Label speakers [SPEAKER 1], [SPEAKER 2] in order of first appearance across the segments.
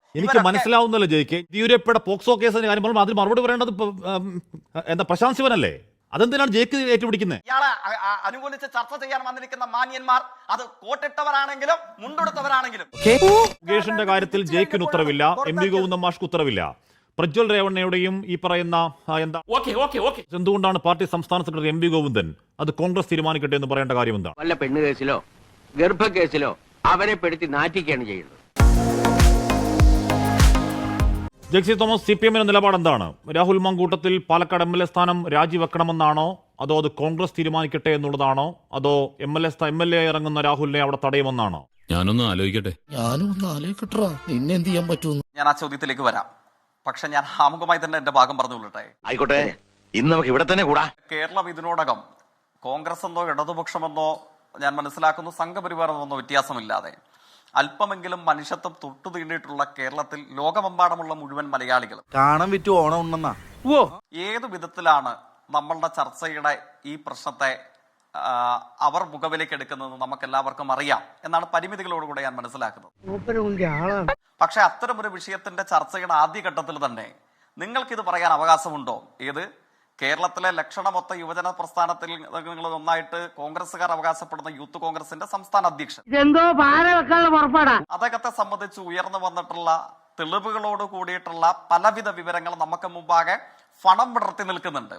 [SPEAKER 1] എനിക്ക് മനസ്സിലാവുന്നല്ലോ ജയിക്ക് യെദ്യൂരപ്പയുടെ പോക്സോ കേസിന്റെ കാര്യം പറയുമ്പോൾ അതിന് മറുപടി പറയേണ്ടത് എന്താ പ്രശാന്ത് ശിവനല്ലേ? അതെന്തിനാണ് ജയിക്ക് ഏറ്റുപിടിക്കുന്നത്?
[SPEAKER 2] ഇയാളെ അനുകൂലിച്ച് ചർച്ച ചെയ്യാൻ വന്നിരിക്കുന്ന മാന്യന്മാർ അത് കോട്ടിട്ടവരാണെങ്കിലും മുണ്ടെടുത്തവരാണെങ്കിലും.
[SPEAKER 1] മുകേഷിന്റെ കാര്യത്തിൽ ജയിക്കിന് ഉത്തരവില്ല, എം വി ഗോവിന്ദൻ മാഷ്ക്ക് ഉത്തരവില്ല. പ്രജ്വൽ രേവണ്ണയുടെയും ഈ പറയുന്ന എന്താ എന്തുകൊണ്ടാണ് പാർട്ടി സംസ്ഥാന സെക്രട്ടറി എം വി ഗോവിന്ദൻ അത് കോൺഗ്രസ് തീരുമാനിക്കട്ടെ എന്ന് പറയേണ്ട കാര്യം എന്താണ്?
[SPEAKER 3] വല്ല പെണ്ണ് കേസിലോ ഗർഭക്കേസിലോ അവരെ പെടുത്തി നാറ്റിക്കുകയാണ് ചെയ്യുന്നത്.
[SPEAKER 1] ജെക്സി തോമസ്, CPM നിലപാട് എന്താണ്? രാഹുൽ മാങ്കൂട്ടത്തിൽ പാലക്കാട് MLA സ്ഥാനം രാജിവെക്കണമെന്നാണോ, അതോ അത് കോൺഗ്രസ് തീരുമാനിക്കട്ടെ എന്നുള്ളതാണോ, അതോ MLA ഇറങ്ങുന്ന രാഹുലിനെ അവിടെ തടയുമെന്നാണോ?
[SPEAKER 4] ഞാനൊന്ന് ആലോചിക്കട്ടെ.
[SPEAKER 5] നിന്നെ എന്ത് ചെയ്യാൻ പറ്റുമെന്ന്
[SPEAKER 2] ഞാൻ ആ ചോദ്യത്തിലേക്ക് വരാം. പക്ഷെ ഞാൻ ആമുഖമായി തന്നെ എന്റെ ഭാഗം പറഞ്ഞുകൊള്ളട്ടെ.
[SPEAKER 6] ആയിക്കോട്ടെ, ഇന്ന് നമുക്ക് ഇവിടെ തന്നെ കൂടാ.
[SPEAKER 2] കേരളം ഇതിനോടകം കോൺഗ്രസ് എന്നോ ഇടതുപക്ഷമെന്നോ ഞാൻ മനസ്സിലാക്കുന്നു സംഘപരിവാരമെന്നോ വ്യത്യാസമില്ലാതെ അല്പമെങ്കിലും മനുഷ്യത്വം തൊട്ടു തീണ്ടിയിട്ടുള്ള കേരളത്തിൽ ലോകമെമ്പാടുമുള്ള മുഴുവൻ മലയാളികളും
[SPEAKER 5] കാണാൻ വിറ്റു ഓണം ഉണ്ടെന്നാ.
[SPEAKER 2] ഏതു വിധത്തിലാണ് നമ്മളുടെ ചർച്ചയുടെ ഈ പ്രശ്നത്തെ അവർ മുഖവിലേക്ക് എടുക്കുന്നത് നമുക്ക് എല്ലാവർക്കും അറിയാം എന്നാണ് പരിമിതികളോടുകൂടെ ഞാൻ മനസ്സിലാക്കുന്നത്. പക്ഷെ അത്തരമൊരു വിഷയത്തിന്റെ ചർച്ചയുടെ ആദ്യഘട്ടത്തിൽ തന്നെ നിങ്ങൾക്കിത് പറയാൻ അവകാശമുണ്ടോ? ഏത് കേരളത്തിലെ ലക്ഷണമൊത്ത യുവജന പ്രസ്ഥാനത്തിൽ ഒന്നായിട്ട് കോൺഗ്രസുകാർ അവകാശപ്പെടുന്ന യൂത്ത് കോൺഗ്രസിന്റെ സംസ്ഥാന അധ്യക്ഷൻ അദ്ദേഹത്തെ സംബന്ധിച്ച് ഉയർന്നു വന്നിട്ടുള്ള തെളിവുകളോട് കൂടിയിട്ടുള്ള പലവിധ വിവരങ്ങൾ നമുക്ക് മുമ്പാകെ ഫണം വിടർത്തി നിൽക്കുന്നുണ്ട്.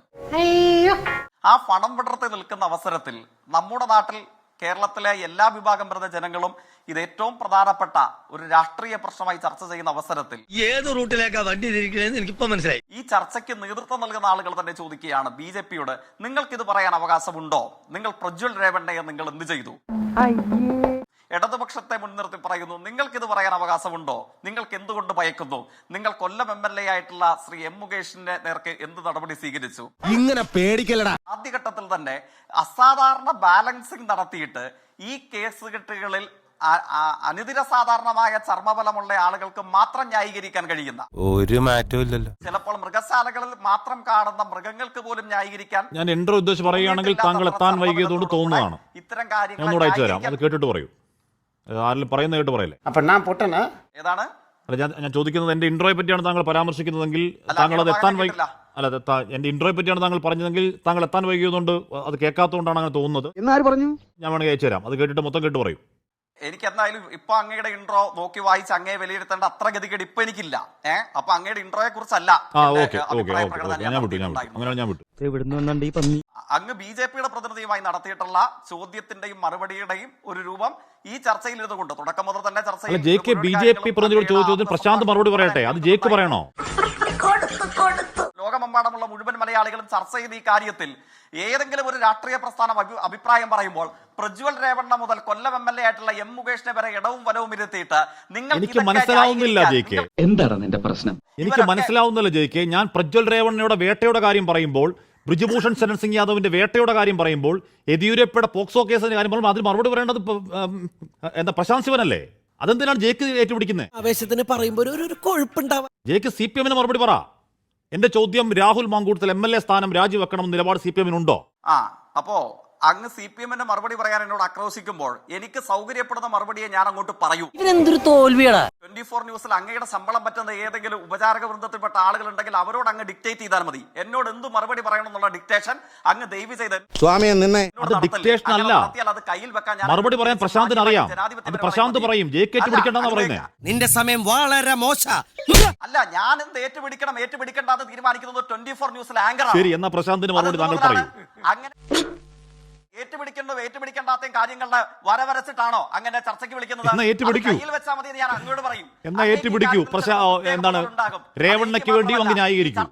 [SPEAKER 2] ആ ഫണം വിടർത്തി നിൽക്കുന്ന അവസരത്തിൽ നമ്മുടെ നാട്ടിൽ കേരളത്തിലെ എല്ലാ വിഭാഗം വരുന്ന ജനങ്ങളും ഇത് ഏറ്റവും പ്രധാനപ്പെട്ട ഒരു രാഷ്ട്രീയ പ്രശ്നമായി ചർച്ച ചെയ്യുന്ന അവസരത്തിൽ
[SPEAKER 6] ഏത് റൂട്ടിലേക്കാ വണ്ടി തിരിക്കണേന്ന് എനിക്കിപ്പോ മനസ്സിലായി.
[SPEAKER 2] ഈ ചർച്ചയ്ക്ക് നേതൃത്വം നൽകുന്ന ആളുകൾ തന്നെ ചോദിക്കുകയാണ് BJPയോട്, നിങ്ങൾക്കിത് പറയാൻ അവകാശമുണ്ടോ? നിങ്ങൾ പ്രജ്വൽ രേവണ്ണയെ നിങ്ങൾ എന്ത് ചെയ്തു? ഇടതുപക്ഷത്തെ മുൻനിർത്തി പറയുന്നു, നിങ്ങൾക്കിത് പറയാൻ അവകാശമുണ്ടോ? നിങ്ങൾക്ക് എന്തുകൊണ്ട് ഭയക്കുന്നു? നിങ്ങൾ കൊല്ലം MLA ആയിട്ടുള്ള ശ്രീ M മുകേഷിന്റെ നേർക്ക് എന്ത് നടപടി സ്വീകരിച്ചു?
[SPEAKER 5] ഇങ്ങനെ പേടിക്കലടാ.
[SPEAKER 2] ആദ്യഘട്ടത്തിൽ തന്നെ അസാധാരണ ബാലൻസിംഗ് നടത്തിയിട്ട് ഈ കേസ് കെട്ടുകളിൽ അനുദിന സാധാരണമായ ചർമ്മബലമുള്ള ആളുകൾക്ക് മാത്രം ന്യായീകരിക്കാൻ കഴിയുന്ന
[SPEAKER 4] ഒരു മാറ്റവും ഇല്ലല്ലോ.
[SPEAKER 2] ചിലപ്പോൾ മൃഗശാലകളിൽ മാത്രം കാണുന്ന മൃഗങ്ങൾക്ക് പോലും ന്യായീകരിക്കാൻ
[SPEAKER 1] ഞാൻ എന്റെ ഉദ്ദേശം പറയുകയാണെങ്കിൽ താങ്കൾ എത്താൻ വൈകിയതുകൊണ്ട് തോന്നുന്നതാണ്.
[SPEAKER 2] ഇത്തരം കാര്യങ്ങൾ
[SPEAKER 1] ഞാൻ അയച്ചു തരാം, അത് കേട്ടിട്ട് പറയൂ. ആരെങ്കിലും പറയുന്ന കേട്ട് പറയല്ലേ?
[SPEAKER 2] ഏതാണ്
[SPEAKER 1] ഞാൻ ചോദിക്കുന്നത്, എന്റെ ഇൻട്രോയെ പറ്റിയാണ് താങ്കൾ പരാമർശിക്കുന്നതെങ്കിൽ താങ്കൾ അത് എത്താൻ എന്റെ ഇൻട്രോയെ പറ്റിയാണ് താങ്കൾ പറഞ്ഞതെങ്കിൽ താങ്കൾ എത്താൻ വൈകിയതുകൊണ്ട് അത് കേൾക്കാത്തതുകൊണ്ടാണ് അങ്ങനെ തോന്നുന്നത്. ഞാൻ വേണമെങ്കിൽ അയച്ചു തരാം, അത് കേട്ടിട്ട് മൊത്തം കേട്ട് പറയൂ.
[SPEAKER 2] എനിക്ക് എന്തായാലും ഇപ്പൊ അങ്ങയുടെ ഇൻട്രോ നോക്കി വായിച്ച് അങ്ങയെ വിലയിരുത്തേണ്ട അത്ര ഗതികേട് ഇപ്പൊ എനിക്കില്ല. അപ്പൊ അങ്ങയുടെ ഇൻട്രോയെ കുറിച്ചല്ല അങ്ങ് BJPയുടെ പ്രതിനിധിയുമായി നടത്തിയിട്ടുള്ള ചോദ്യത്തിന്റെയും മറുപടിയുടെയും ഒരു രൂപം ഈ ചർച്ചയിൽ ഇരുന്നുകൊണ്ട് തുടക്കം മുതൽ തന്നെ ചർച്ചയിൽ
[SPEAKER 1] BJP പ്രതിനിധിയോട് ചോദിച്ചതിന് പ്രശാന്ത് മറുപടി പറയട്ടെ, അത് ജയിക്ക് പറയണോ?
[SPEAKER 2] ലോകമെമ്പാടുമുള്ള മുഴുവൻ മലയാളികളും ചർച്ച ചെയ്ത ഈ കാര്യത്തിൽ ഏതെങ്കിലും ഒരു രാഷ്ട്രീയ പ്രസ്ഥാനം അഭിപ്രായം പറയുമ്പോൾ പ്രജ്വൽ രേവണ്ണ മുതൽ കൊല്ലം MLA ആയിട്ടുള്ള M മുകേഷിനെ വരെ ഇടവും വലവും ഇരുത്തിയിട്ട്
[SPEAKER 1] എനിക്ക് മനസ്സിലാവുന്നില്ല ജയിക്ക്,
[SPEAKER 3] എന്താണ് നിന്റെ പ്രശ്നം?
[SPEAKER 1] എനിക്ക് മനസ്സിലാവുന്നില്ല ജയിക്ക്. ഞാൻ പ്രജ്വൽ രേവണ്ണയുടെ വേട്ടയുടെ കാര്യം പറയുമ്പോൾ, ബ്രിജ്ഭൂഷൺ ശരൺ സിംഗ് യാദവിന്റെ വേട്ടയുടെ കാര്യം പറയുമ്പോൾ, യെദ്യൂരപ്പയുടെ പോക്സോ കേസിന്റെ കാര്യം പറയുമ്പോൾ അതിന് മറുപടി പറയേണ്ടത് എന്താ പ്രശാന്ത് ശിവനല്ലേ? അതെന്തിനാണ് ജയിക്ക് ഏറ്റുപിടിക്കുന്നത്?
[SPEAKER 5] ആവേശത്തിന് പറയുമ്പോൾ ഒരു കൊഴുപ്പുണ്ടാവാം.
[SPEAKER 1] ജയിക്ക് CPM മറുപടി പറ. എന്റെ ചോദ്യം, രാഹുൽ മാങ്കൂട്ടത്തിൽ MLA സ്ഥാനം രാജിവെക്കണം നിലപാട് CPM-നുണ്ടോ?
[SPEAKER 2] അപ്പോ അങ്ങ് CPM-ന്റെ മറുപടി പറയാൻ എന്നോട് ആക്രോശിക്കുമ്പോൾ എനിക്ക് സൗകര്യപ്പെടുന്ന മറുപടിയെ ഞാൻ അങ്ങോട്ട് പറയൂ.
[SPEAKER 5] ഇവരെന്തൊരു തോൽവിയാടാ.
[SPEAKER 2] 24 ന്യൂസിൽ അങ്ങയുടെ ശമ്പളം പറ്റുന്ന ഏതെങ്കിലും ഉപചാരക വൃന്ദത്തിൽപ്പെട്ട ആളുകൾ ഉണ്ടെങ്കിൽ അവരോട് അങ്ങ് ഡിക്റ്റേറ്റ് ചെയ്താൽ മതി. എന്നോട് എന്ത് മറുപടി പറയണം എന്നുള്ള ഡിക്റ്റേഷൻ അങ്ങ് ദയവ് ചെയ്ത്
[SPEAKER 5] സ്വാമിയെ നിന്നെ
[SPEAKER 1] ഡിക്റ്റേഷൻ അല്ല,
[SPEAKER 2] അത് കയ്യിൽ വെക്കാൻ
[SPEAKER 1] മറുപടി പറയാൻ പ്രശാന്തിന് അറിയാം. അത് പ്രശാന്ത് പറയും, ജയിക്ക് ഏറ്റുപിടിക്കണ്ടെന്നാ പറയുന്നത്.
[SPEAKER 5] നിന്റെ സമയം വളരെ മോശ.
[SPEAKER 2] അല്ല, ഞാൻ എന്ത് ഏറ്റുപിടിക്കണ്ടെന്ന് തീരുമാനിക്കുന്നത് 24 ന്യൂസിൽ ആങ്കർ.
[SPEAKER 1] ശരി, എന്നാ പ്രശാന്തിന് മറുപടി താങ്കൾ പറയൂ.
[SPEAKER 2] അങ്ങനെ ഏറ്റുപിടിക്കേണ്ടാത്തയും കാര്യങ്ങളുടെ വരച്ചിട്ടാണോ അങ്ങനെ ചർച്ചയ്ക്ക് വിളിക്കുന്നത്? കയ്യിൽ വെച്ചാൽ മതി ഞാൻ അങ്ങോട്ട് പറയും.
[SPEAKER 1] എന്നാ ഏറ്റുപിടിക്കൂ. എന്താണ് രേവണ്ണയ്ക്ക് വേണ്ടി അങ്ങ് ന്യായീകരിക്കൂ.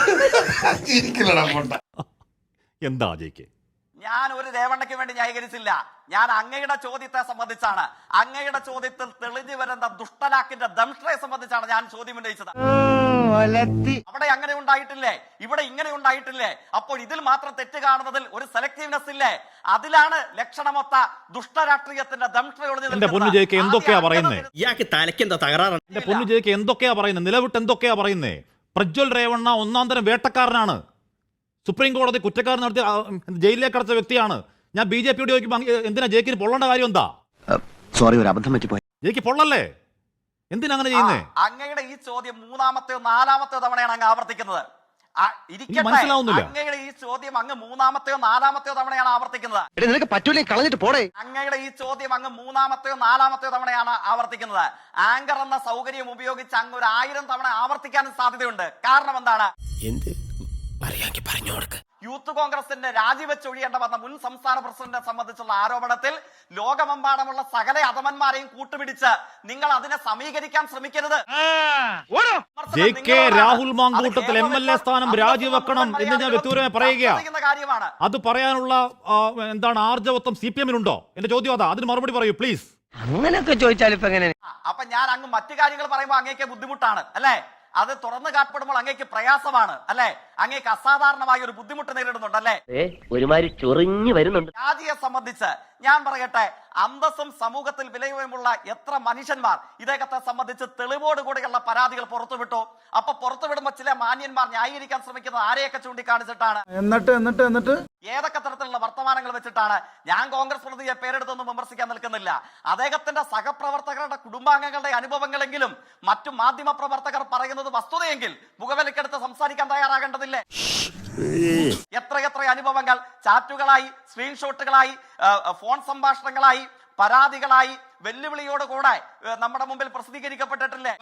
[SPEAKER 1] എന്താ ജയിക്ക്?
[SPEAKER 2] ഞാൻ ഒരു രേവണ്ണയ്ക്ക് വേണ്ടി ന്യായീകരിച്ചില്ല. ഞാൻ അങ്ങയുടെ ചോദ്യത്തെ സംബന്ധിച്ചാണ്, അങ്ങയുടെ ചോദ്യത്തിൽ തെളിഞ്ഞു വരുന്ന ദുഷ്ടലാക്കിന്റെ ദംഷ്ട്രയെ സംബന്ധിച്ചാണ് ഞാൻ ചോദ്യം ഉന്നയിച്ചത്. അവിടെ അങ്ങനെ ഉണ്ടായിട്ടില്ലേ? ഇവിടെ ഇങ്ങനെ ഉണ്ടായിട്ടില്ലേ? അപ്പോൾ ഇതിൽ മാത്രം തെറ്റ് കാണുന്നതിൽ ഒരു സെലക്ടീവ്നെസ് ഇല്ലേ? അതിലാണ് ലക്ഷണമൊത്ത ദുഷ്ടരാഷ്ട്രീയത്തിന്റെ ദംഷ്ട്രയോട്.
[SPEAKER 1] എന്റെ പൊന്നു ജയിക്ക് എന്തൊക്കെയാ പറയുന്നേ?
[SPEAKER 6] ഇയാൾക്ക് തലയ്ക്കെന്താ തകരാറ്?
[SPEAKER 1] എന്റെ പൊന്നു ജയിക്ക് എന്തൊക്കെയാ പറയുന്നത്? നിലവിട്ട് എന്തൊക്കെയാ പറയുന്നേ? പ്രജ്വൽ രേവണ്ണ ഒന്നാം തരം വേട്ടക്കാരനാണ്. സുപ്രീം കോടതി കുറ്റക്കാരൻ നടത്തി ജയിലിലേക്ക് അടച്ച വ്യക്തിയാണ്. ഞാൻ BJPയോട് ചോദിക്കുമ്പോൾ എന്തിനാ ജയിക്കിന് പൊള്ളേണ്ട കാര്യം എന്താ?
[SPEAKER 3] സോറി, ഒരു അബദ്ധം പറ്റിപ്പോയി.
[SPEAKER 1] ജയിക്ക് പൊള്ളല്ലേ? എന്തിനാ അങ്ങനെ ചെയ്യുന്നേ?
[SPEAKER 2] അങ്ങയുടെ ഈ ചോദ്യം മൂന്നാമത്തെയോ നാലാമത്തെയോ തവണയാണ് അങ്ങ് ആവർത്തിക്കുന്നത്. ഇരിക്കട്ടെ,
[SPEAKER 1] മനസ്സിലാവുന്നില്ല.
[SPEAKER 2] അങ്ങയുടെ ഈ ചോദ്യം അങ്ങ് മൂന്നാമത്തെയോ നാലാമത്തെയോ തവണയാണ് ആവർത്തിക്കുന്നത്.
[SPEAKER 6] നിനക്ക് പറ്റൂലേ കളഞ്ഞിട്ട് പോടേ.
[SPEAKER 2] അങ്ങയുടെ ഈ ചോദ്യം അങ്ങ് മൂന്നാമത്തെയോ നാലാമത്തെയോ തവണയാണ് ആവർത്തിക്കുന്നത്. ആങ്കർ എന്ന സൗകര്യം ഉപയോഗിച്ച് അങ്ങ് ഒരു 1000 തവണ ആവർത്തിക്കാനും സാധ്യതയുണ്ട്. കാരണം എന്താണ്?
[SPEAKER 5] എന്ത് പറയാങ്കി പറഞ്ഞു കൊടുക്ക.
[SPEAKER 2] യൂത്ത് കോൺഗ്രസിന്റെ രാജിവെച്ചൊഴിയേണ്ട വന്ന മുൻ സംസ്ഥാന പ്രസിഡന്റിനെ സംബന്ധിച്ചുള്ള ആരോപണത്തിൽ ലോകമെമ്പാടുമുള്ള സകല അധമന്മാരെയും കൂട്ടുപിടിച്ച് നിങ്ങൾ അതിനെ സമീകരിക്കാൻ ശ്രമിക്കരുത്.
[SPEAKER 1] JK രാഹുൽ മാങ്കൂട്ടത്തിൽ MLA സ്ഥാനം രാജിവെക്കണം എന്ന് ഞാൻ വ്യക്തിപരമായി പറയുകയാണ്. അത് പറയാനുള്ള എന്താണ് ആർജവത്വം CPM-നുണ്ടോ? എന്റെ ചോദ്യം അതാ. അതിന് മറുപടി പറയൂ പ്ലീസ്.
[SPEAKER 3] അങ്ങനെയൊക്കെ ചോദിച്ചാൽ ഇപ്പൊ എങ്ങനെ?
[SPEAKER 2] അപ്പൊ ഞാൻ അങ്ങ് മറ്റു കാര്യങ്ങൾ പറയുമ്പോൾ അങ്ങേക്ക് ബുദ്ധിമുട്ടാണ് അല്ലേ? അത് തുറന്നു കാട്ടപ്പെടുമ്പോൾ അങ്ങേക്ക് പ്രയാസമാണ് അല്ലെ? അങ്ങേക്ക് അസാധാരണമായ ഒരു ബുദ്ധിമുട്ട് നേരിടുന്നുണ്ടല്ലേ?
[SPEAKER 3] ഒരുമാതിരി ചൊറിഞ്ഞു വരുന്നുണ്ട്.
[SPEAKER 2] രാജിയെ സംബന്ധിച്ച് ഞാൻ പറയട്ടെ, അന്തസ്സും സമൂഹത്തിൽ വിലയുമുള്ള എത്ര മനുഷ്യന്മാർ ഇദ്ദേഹത്തെ സംബന്ധിച്ച് തെളിവോടുകൂടിയുള്ള പരാതികൾ പുറത്തുവിട്ടു. അപ്പൊ പുറത്തുവിടുമ്പോ ചില മാന്യന്മാർ ന്യായീകരിക്കാൻ ശ്രമിക്കുന്നത് ആരെയൊക്കെ ചൂണ്ടിക്കാണിച്ചിട്ടാണ്?
[SPEAKER 7] എന്നിട്ട്
[SPEAKER 2] ഏതൊക്കെ തരത്തിലുള്ള വർത്തമാനങ്ങൾ വെച്ചിട്ടാണ്? ഞാൻ കോൺഗ്രസ് പ്രതിയെ പേരെടുത്തൊന്നും വിമർശിക്കാൻ നിൽക്കുന്നില്ല. അദ്ദേഹത്തിന്റെ സഹപ്രവർത്തകരുടെ കുടുംബാംഗങ്ങളുടെ അനുഭവങ്ങളെങ്കിലും മറ്റു മാധ്യമ പ്രവർത്തകർ പറയുന്നത് വസ്തുതയെങ്കിൽ മുഖവിലക്കെടുത്ത് സംസാരിക്കാൻ തയ്യാറാകേണ്ടതില്ലേ? എത്രയെത്ര അനുഭവങ്ങൾ ചാറ്റുകളായി, സ്ക്രീൻഷോട്ടുകളായി, ഫോൺ സംഭാഷണങ്ങളായി, പരാതികളായി, വെല്ലുവിളിയോടുകൂടെ നമ്മുടെ മുമ്പിൽ പ്രസിദ്ധീകരിക്കപ്പെട്ടിട്ടില്ലേ?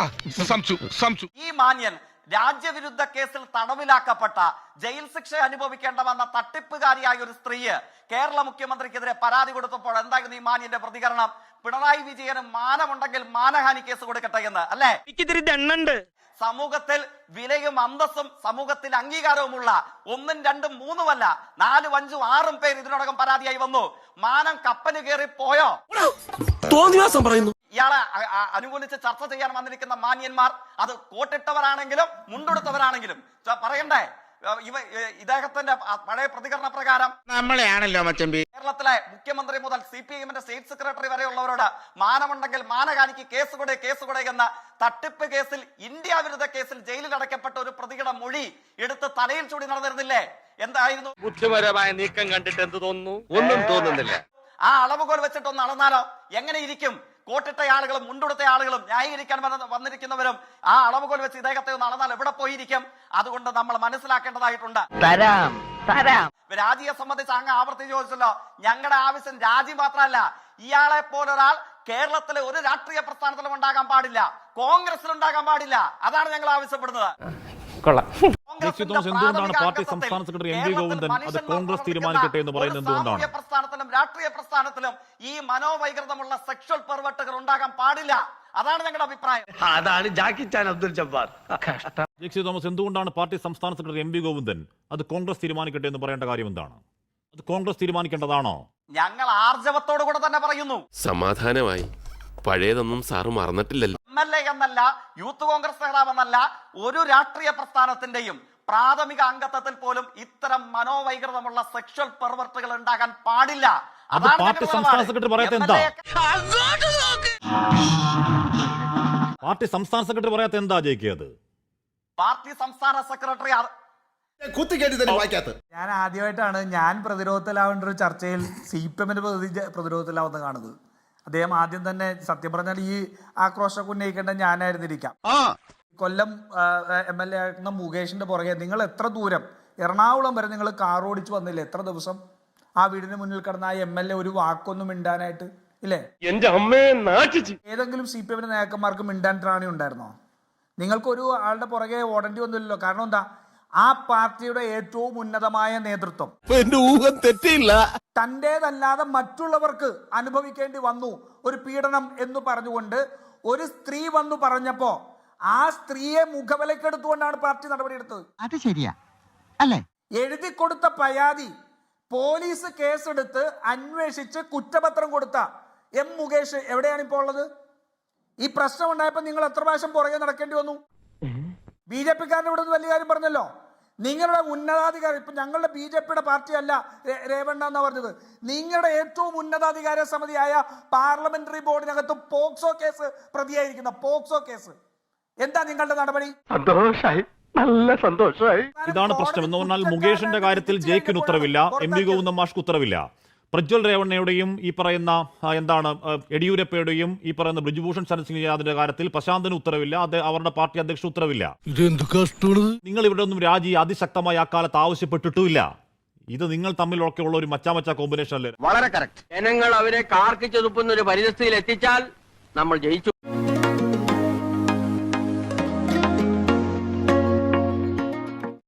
[SPEAKER 2] ഈ മാന്യൻ രാജ്യവിരുദ്ധ കേസിൽ തടവിലാക്കപ്പെട്ട, ജയിൽ ശിക്ഷ അനുഭവിക്കേണ്ട വന്ന തട്ടിപ്പുകാരിയായ ഒരു സ്ത്രീയെ കേരള മുഖ്യമന്ത്രിക്കെതിരെ പരാതി കൊടുത്തപ്പോൾ എന്തായിരുന്നു ഈ മാന്യന്റെ പ്രതികരണം? പിണറായി വിജയന് മാനമുണ്ടെങ്കിൽ മാനഹാനി കേസ് കൊടുക്കട്ടെ എന്ന് അല്ലേ? സമൂഹത്തിൽ വിലയും അന്തസ്സും സമൂഹത്തിൽ അംഗീകാരവുമുള്ള 1, 2, 3 അല്ല 4, 5, 6 പേര് ഇതിനോടകം പരാതിയായി വന്നു. മാനം കപ്പല് കയറി പോയോ?
[SPEAKER 5] തോന്നിവാസം പറയുന്നു.
[SPEAKER 2] ഇയാളെ അനുകൂലിച്ച് ചർച്ച ചെയ്യാൻ വന്നിരിക്കുന്ന മാന്യന്മാർ അത് കോട്ടിട്ടവരാണെങ്കിലും മുണ്ടെടുത്തവരാണെങ്കിലും പറയണ്ടേ? ഇദ്ദേഹത്തിന്റെ പഴയ പ്രതികരണ പ്രകാരം
[SPEAKER 6] നമ്മളെയാണല്ലോ മച്ചമ്പി.
[SPEAKER 2] കേരളത്തിലെ മുഖ്യമന്ത്രി മുതൽ CPM-ന്റെ സ്റ്റേറ്റ് സെക്രട്ടറി വരെയുള്ളവരോട് മാനമുണ്ടെങ്കിൽ മാനഹാനിക്ക് കേസ് കൊടേ എന്ന തട്ടിപ്പ് കേസിൽ, ഇന്ത്യ വിരുദ്ധ കേസിൽ ജയിലിൽ അടയ്ക്കപ്പെട്ട ഒരു പ്രതിയുടെ മൊഴി എടുത്ത് തലയിൽ ചൂടി നടന്നിരുന്നില്ലേ? എന്തായിരുന്നു?
[SPEAKER 3] ബുദ്ധിപരമായ നീക്കം കണ്ടിട്ട് എന്ത് തോന്നുന്നു? ഒന്നും തോന്നുന്നില്ല.
[SPEAKER 2] ആ അളവുകോൽ വെച്ചിട്ടൊന്ന് അളന്നാലോ എങ്ങനെ ഇരിക്കും? കോട്ടിട്ട ആളുകളും മുണ്ടുടുത്ത ആളുകളും ന്യായീകരിക്കാൻ വന്നിരിക്കുന്നവരും ആ അളവുകോൽ വെച്ച് ഇദ്ദേഹത്തെ ഒന്ന് അളന്നാൽ എവിടെ പോയിരിക്കും? അതുകൊണ്ട് നമ്മൾ മനസ്സിലാക്കേണ്ടതായിട്ടുണ്ട്. രാജിയെ സംബന്ധിച്ച് അങ്ങ് ആവർത്തിച്ച് ചോദിച്ചല്ലോ. ഞങ്ങളുടെ ആവശ്യം രാജി മാത്രമല്ല, ഇയാളെ പോലൊരാൾ കേരളത്തിലെ ഒരു രാഷ്ട്രീയ പ്രസ്ഥാനത്തിലും ഉണ്ടാകാൻ പാടില്ല, കോൺഗ്രസിൽ ഉണ്ടാകാൻ പാടില്ല. അതാണ് ഞങ്ങൾ ആവശ്യപ്പെടുന്നത്.
[SPEAKER 1] എന്തുകൊണ്ടാണ് പാർട്ടി സംസ്ഥാന സെക്രട്ടറി MV ഗോവിന്ദൻ അത് കോൺഗ്രസ് തീരുമാനിക്കട്ടെ എന്ന് പറയുന്നത്? എന്തുകൊണ്ടാണ്?
[SPEAKER 2] പ്രസ്ഥാനത്തിലും രാഷ്ട്രീയ പ്രസ്ഥാനത്തിലും ഈ മനോവൈകൃതമുള്ള സെക്ഷൽ പെർവെർട്ടുകൾ ഉണ്ടാകാൻ പാടില്ല. അതാണ് ഞങ്ങളുടെ അഭിപ്രായം.
[SPEAKER 6] അതാണ് ജാക്കി ചാൻ അബ്ദുൽ ജബ്ബാർ.
[SPEAKER 1] ജെക്സി തോമസ്, എന്തുകൊണ്ടാണ് പാർട്ടി സംസ്ഥാന സെക്രട്ടറി MV ഗോവിന്ദൻ അത് കോൺഗ്രസ് തീരുമാനിക്കട്ടെ എന്ന് പറയേണ്ട കാര്യം എന്താണ്? അത് കോൺഗ്രസ് തീരുമാനിക്കേണ്ടതാണോ?
[SPEAKER 2] ഞങ്ങൾ ആർജവത്തോടു കൂടെ തന്നെ പറയുന്നു.
[SPEAKER 4] സമാധാനമായി. പഴയതൊന്നും സാറ് മറന്നിട്ടില്ലല്ലോ.
[SPEAKER 2] MLA എന്നല്ല, യൂത്ത് കോൺഗ്രസ് നേതാവെന്നല്ല, ഒരു രാഷ്ട്രീയ പ്രസ്ഥാനത്തിന്റെയും പ്രാഥമിക അംഗത്വത്തിൽ പോലും ഇത്തരം മനോവൈകൃതമുള്ള സെക്ഷൽ പെർവെർട്ടുകൾ ഉണ്ടാകാൻ പാടില്ല.
[SPEAKER 1] അത് പാർട്ടി സംസ്ഥാന സെക്രട്ടറി പറയാത്ത എന്താ? പാർട്ടി സംസ്ഥാന സെക്രട്ടറി പറയാത്ത എന്താ ജയിക്കുക? അത്
[SPEAKER 2] പാർട്ടി സംസ്ഥാന സെക്രട്ടറി
[SPEAKER 7] ഞാൻ ആദ്യമായിട്ടാണ് ഞാൻ പ്രതിരോധത്തിലാവേണ്ട ഒരു ചർച്ചയിൽ CPM-ന്റെ പ്രതിരോധത്തിലാവുന്ന കാണുന്നത്. അദ്ദേഹം ആദ്യം തന്നെ സത്യം പറഞ്ഞാൽ ഈ ആക്രോശം ഉന്നയിക്കേണ്ട ഞാനായിരുന്നിരിക്കാം. കൊല്ലം MLA ആയിരുന്ന മുകേഷിന്റെ പുറകെ നിങ്ങൾ എത്ര ദൂരം, എറണാകുളം വരെ നിങ്ങൾ കാർ ഓടിച്ചു വന്നില്ലേ? എത്ര ദിവസം ആ വീടിന് മുന്നിൽ കിടന്ന ആ MLA ഒരു വാക്കൊന്നും മിണ്ടാനായിട്ട് ഇല്ലേ?
[SPEAKER 3] എന്റെ അമ്മയെ നാട്ടിച്ചു.
[SPEAKER 7] ഏതെങ്കിലും CPM-ന്റെ നേതാക്കന്മാർക്ക് മിണ്ടാൻ ത്രാണി ഉണ്ടായിരുന്നോ? നിങ്ങൾക്കൊരു ആളുടെ പുറകെ ഓടേണ്ടി വന്നില്ലല്ലോ. കാരണം എന്താ? ആ പാർട്ടിയുടെ ഏറ്റവും ഉന്നതമായ നേതൃത്വം
[SPEAKER 5] എന്റെ ഊഹം തെറ്റില്ല.
[SPEAKER 7] തന്റേതല്ലാതെ മറ്റുള്ളവർക്ക് അനുഭവിക്കേണ്ടി വന്നു ഒരു പീഡനം എന്ന് പറഞ്ഞുകൊണ്ട് ഒരു സ്ത്രീ വന്നു പറഞ്ഞപ്പോ ആ സ്ത്രീയെ മുഖവിലക്കെടുത്തുകൊണ്ടാണ് പാർട്ടി നടപടിയെടുത്തത്.
[SPEAKER 8] അത് ശരിയാ അല്ലേ?
[SPEAKER 7] എഴുതി കൊടുത്ത പരാതി പോലീസ് കേസെടുത്ത് അന്വേഷിച്ച് കുറ്റപത്രം കൊടുത്ത മുകേഷ് എവിടെയാണ് ഇപ്പോൾ ഉള്ളത്? ഈ പ്രശ്നം ഉണ്ടായപ്പോ നിങ്ങൾ എത്ര പ്രാവശ്യം പുറകെ നടക്കേണ്ടി വന്നു? BJP-ക്കാരൻ്റെ ഇവിടെ വലിയ കാര്യം പറഞ്ഞല്ലോ. നിങ്ങളുടെ ഉന്നതാധികാരി, ഇപ്പൊ ഞങ്ങളുടെ BJP-യുടെ പാർട്ടിയല്ല രേവണ്ണ എന്നാ പറഞ്ഞത്, നിങ്ങളുടെ ഏറ്റവും ഉന്നതാധികാര സമിതിയായ പാർലമെന്ററി ബോർഡിനകത്ത് പോക്സോ കേസ് പ്രതിയായിരിക്കുന്ന പോക്സോ കേസ്. എന്താ നിങ്ങളുടെ നടപടി?
[SPEAKER 3] സന്തോഷായി, നല്ല സന്തോഷമായി.
[SPEAKER 1] ഇതാണ് പ്രശ്നം എന്ന് പറഞ്ഞാൽ മുകേഷിന്റെ കാര്യത്തിൽ ജയിക്കിന് ഉത്തരവില്ല, MV ഗോവിന്ദൻ മാഷ്ക്ക് ഉത്തരവില്ല. പ്രജ്വൽ രേവണ്ണയുടെയും ഈ പറയുന്ന യെഡിയൂരപ്പയുടെയും ഈ പറയുന്ന ബ്രിജ്ഭൂഷൺ ശരൺ സിംഗ് യാദവിന്റെ കാര്യത്തിൽ പ്രശാന്തിന് ഉത്തരവില്ല, അവരുടെ പാർട്ടി അധ്യക്ഷ ഉത്തരവില്ല. നിങ്ങൾ ഇവിടെ ഒന്നും രാജി അതിശക്തമായി അക്കാലത്ത് ആവശ്യപ്പെട്ടിട്ടുമില്ല. ഇത് നിങ്ങൾ തമ്മിലൊക്കെ ഉള്ള ഒരു മച്ചാമച്ച കോമ്പിനേഷൻ അല്ലേ?
[SPEAKER 6] വളരെ കറക്റ്റ്.
[SPEAKER 3] ജനങ്ങൾ അവരെ കാർക്കിച്ചു തുപ്പുന്ന ഒരു പരിസ്ഥിതിയിൽ എത്തിച്ചാൽ നമ്മൾ ജയിച്ചു.